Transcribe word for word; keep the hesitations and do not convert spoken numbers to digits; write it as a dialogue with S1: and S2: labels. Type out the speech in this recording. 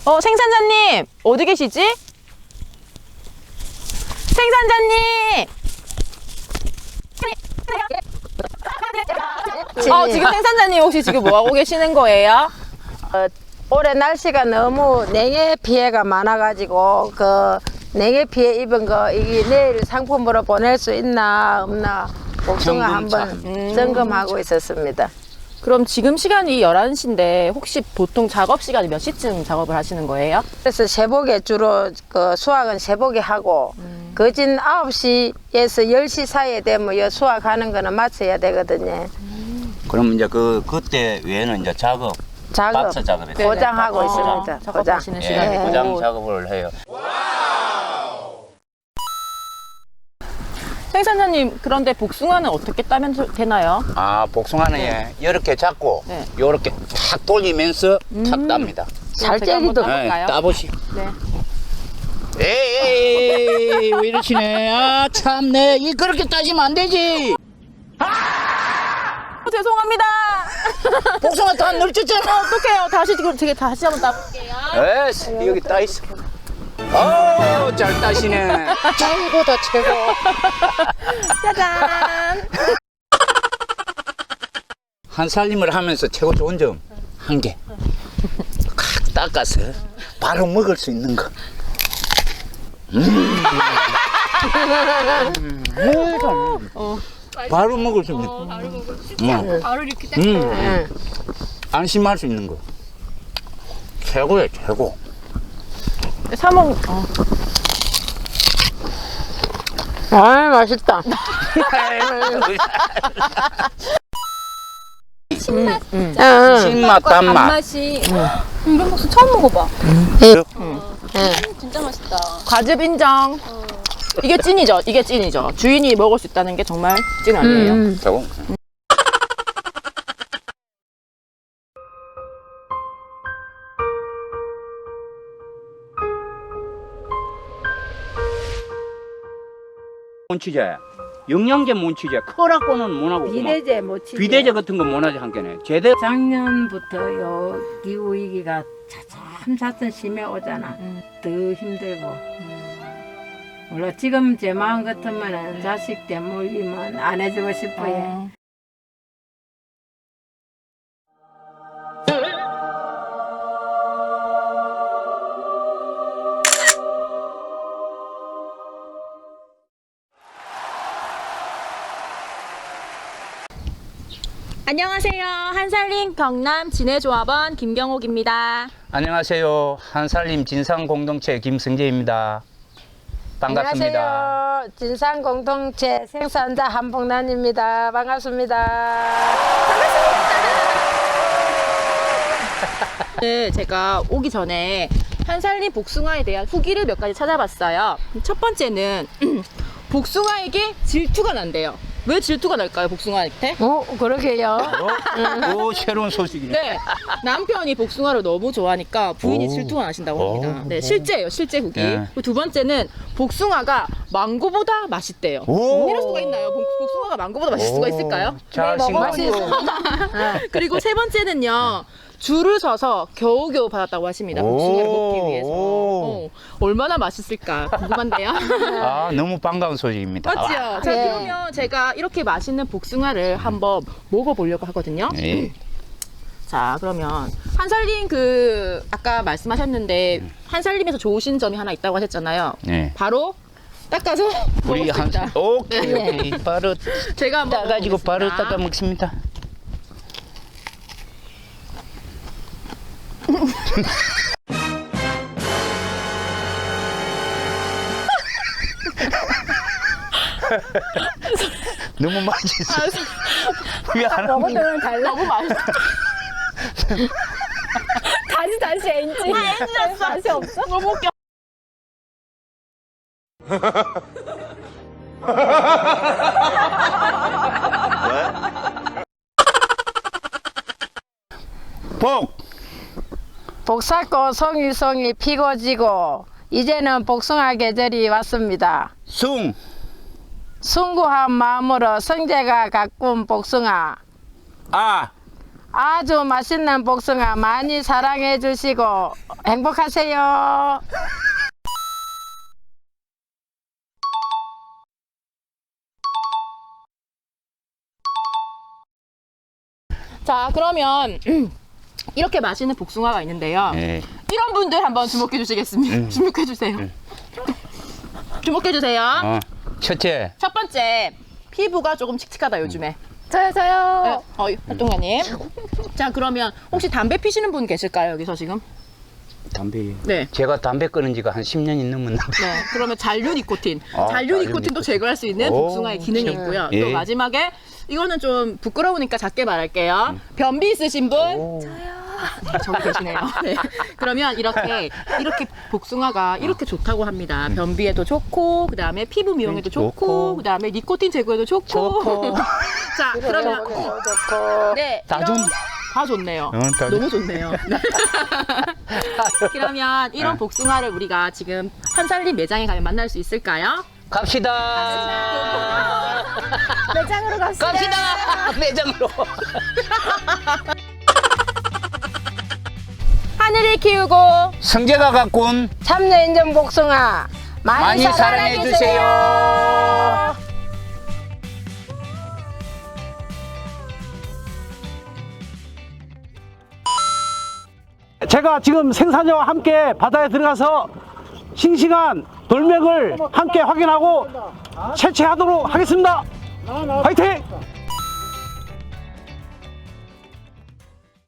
S1: 어, 생산자님 어디 계시지? 생산자님! 어, 지금 생산자님 혹시 지금 뭐 하고 계시는 거예요?
S2: 어, 올해 날씨가 너무 냉해 피해가 많아가지고 그 냉해 피해 입은 거 이게 내일 상품으로 보낼 수 있나 없나 복숭아 한번
S1: 음.
S2: 점검하고 있었습니다.
S1: 그럼 지금 시간이 열한 시인데 혹시 보통 작업 시간이 몇 시쯤 작업을 하시는 거예요?
S2: 그래서 새벽에 주로 그 수확은 새벽에 하고
S1: 음.
S2: 거진 아홉 시에서 열 시 사이에 되면 이 수확하는 거는 마쳐야 되거든요.
S3: 그럼 이제 그 그때 외에는 이제 작업,
S2: 작업
S3: 박사 작업이
S1: 네.
S2: 고장하고
S1: 어,
S2: 있습니다. 고장.
S1: 작업하시는
S3: 예,
S1: 시간이고.
S3: 고장 작업을 해요.
S1: 생산자님, 그런데 복숭아는 어떻게 따면 소- 되나요?
S3: 아, 복숭아는
S1: 네.
S3: 예, 이렇게 잡고
S1: 네.
S3: 이렇게 탁 돌리면서 탁 땁니다.
S2: 잘
S1: 제가 한번
S2: 째리도
S1: 따볼까요?
S3: 네, 따보시.
S1: 네.
S3: 에이, 왜 이러시네. 아, 참네. 이 그렇게 따지면 안 되지.
S1: 어, 죄송합니다.
S3: 복숭아 다 널쳤잖아.
S1: 어떡해요. 다시, 지금 제가 다시 한번 따볼게요.
S3: 에스, 여기 따 있어. 어, 잘 따시네. 최고다, 최고.
S1: 짜잔.
S3: 한 살림을 하면서 최고 좋은 점 한 개. 칵 닦아서 바로 먹을 수 있는 거. 음. 음.
S1: 어.
S3: 바로 먹을 수 있는 거.
S4: 바로 먹을 수 있지
S3: 음.
S4: 않고 바로 이렇게 딱
S3: 음. 안심할 수 있는 거. 최고야, 최고.
S1: 사먹, 어.
S2: 아 맛있다.
S4: 신맛
S2: 응, 응.
S3: 신맛, 단맛.
S4: 단맛이 이런 국수 처음 먹어봐.
S2: 응.
S4: 진짜 맛있다.
S1: 과즙 인정. 이게 찐이죠. 이게 찐이죠. 주인이 먹을 수 있다는 게 정말 찐 아니에요.
S2: 음.
S3: 최고. 몬치제, 영양제 몬치제, 커라고는 못하고
S2: 비대제 모치.
S3: 비대제 같은 거 못하지 한 개네. 제대로.
S2: 작년부터 요 기후 위기가 차츰차츰 심해 오잖아. 더 힘들고. 물론 지금 제 마음 같으면 자식 때문이면 안 해주고 싶어요.
S1: 어. 안녕하세요. 한살림 경남 진해조합원 김경옥입니다.
S3: 안녕하세요. 한살림 진상 공동체 김승재입니다. 반갑습니다.
S2: 안녕하세요. 진상 공동체 생산자 한복란입니다. 반갑습니다.
S1: 오늘 제가 오기 전에 한살림 복숭아에 대한 후기를 몇 가지 찾아봤어요. 첫 번째는 복숭아에게 질투가 난대요. 왜 질투가 날까요, 복숭아한테?
S2: 오, 그러게요.
S3: 어? 오, 새로운 소식이네.
S1: 네, 남편이 복숭아를 너무 좋아하니까 부인이
S3: 오.
S1: 질투가 나신다고 합니다.
S3: 오.
S1: 네, 실제예요, 실제 후기.
S3: 네.
S1: 그리고 두 번째는 복숭아가 망고보다 맛있대요.
S3: 오.
S1: 이럴 수가 있나요? 복- 복숭아가 망고보다 맛있을 수가 있을까요?
S3: 자,
S2: 네, 먹어볼 수
S3: 싱겁고.
S1: 그리고 세 번째는요. 줄을 서서 겨우겨우 받았다고 하십니다. 복숭아를
S3: 오.
S1: 먹기 위해서. 어, 얼마나 맛있을까 궁금한데요.
S3: 아, 너무 반가운 소식입니다.
S1: 맞지요? 자,
S2: 네.
S1: 그러면 제가 이렇게 맛있는 복숭아를 한번 먹어보려고 하거든요.
S3: 네.
S1: 자, 그러면 한살림 그 아까 말씀하셨는데 한살림에서 좋으신 점이 하나 있다고 하셨잖아요.
S3: 네.
S1: 바로 닦아서
S3: 우리 한
S1: 먹었습니다.
S3: 오케이, 오케이. 바로
S1: 제가 한번
S3: 따가지고 바로
S1: 먹어보겠습니다.
S3: 닦아 먹습니다. 너무 맛있어. 미안합니다.
S4: 먹어도 달라.
S1: 너무 맛있어.
S4: 다시 다시 엔지. 엔지 다시 없어.
S1: 너무 웃겨.
S3: 복!
S2: 복사꽃 송이송이 피고 지고 이제는 복숭아 계절이 왔습니다.
S3: 숭!
S2: 숭고한 마음으로 성재가 가꾼 복숭아
S3: 아!
S2: 아주 맛있는 복숭아 많이 사랑해 주시고 행복하세요.
S1: 자, 그러면 이렇게 맛있는 복숭아가 있는데요.
S3: 네.
S1: 이런 분들 한번 주목해 주시겠습니다. 주목해 주세요. 주목해 주세요.
S3: 어, 첫째,
S1: 첫 번째, 피부가 조금 칙칙하다 요즘에.
S4: 저요,
S1: 네.
S4: 저요.
S1: 어, 활동가님. 자, 그러면 혹시 담배 피시는 분 계실까요, 여기서 지금?
S3: 담배.
S1: 네.
S3: 제가 담배 끊은 지가 한 십 년이 넘었는데.
S1: 네. 그러면 잔류 니코틴.
S3: 아,
S1: 잔류
S3: 잔류
S1: 니코틴도
S3: 니코틴.
S1: 제거할 수 있는
S3: 오,
S1: 복숭아의 기능이
S3: 네.
S1: 있고요.
S3: 예.
S1: 또 마지막에 이거는 좀 부끄러우니까 작게 말할게요. 변비 있으신 분?
S3: 오.
S1: 네, 저기 계시네요. 네. 그러면 이렇게 이렇게 복숭아가 이렇게 좋다고 합니다. 변비에도 좋고, 그 다음에 피부 미용에도 좋고,
S3: 좋고.
S1: 그 다음에 니코틴 제거에도 좋고.
S3: 좋고.
S1: 자, 그러면 네,
S3: 다
S1: 이런-
S3: 좋네.
S1: 다 좋네요.
S3: 어, 다
S1: 너무 좋네요. 네. 그러면 이런 복숭아를 우리가 지금 한살림 매장에 가면 만날 수 있을까요?
S3: 갑시다.
S4: 매장으로 갑시다.
S3: 갑시다. 매장으로.
S1: 하늘을 키우고
S3: 성재가 갖고 온
S2: 참여 인정 복숭아 많이,
S3: 많이 사랑해 주세요.
S5: 제가 지금 생산자와 함께 바다에 들어가서 싱싱한 돌멩을 함께 확인하고 채취하도록 하겠습니다. 화이팅!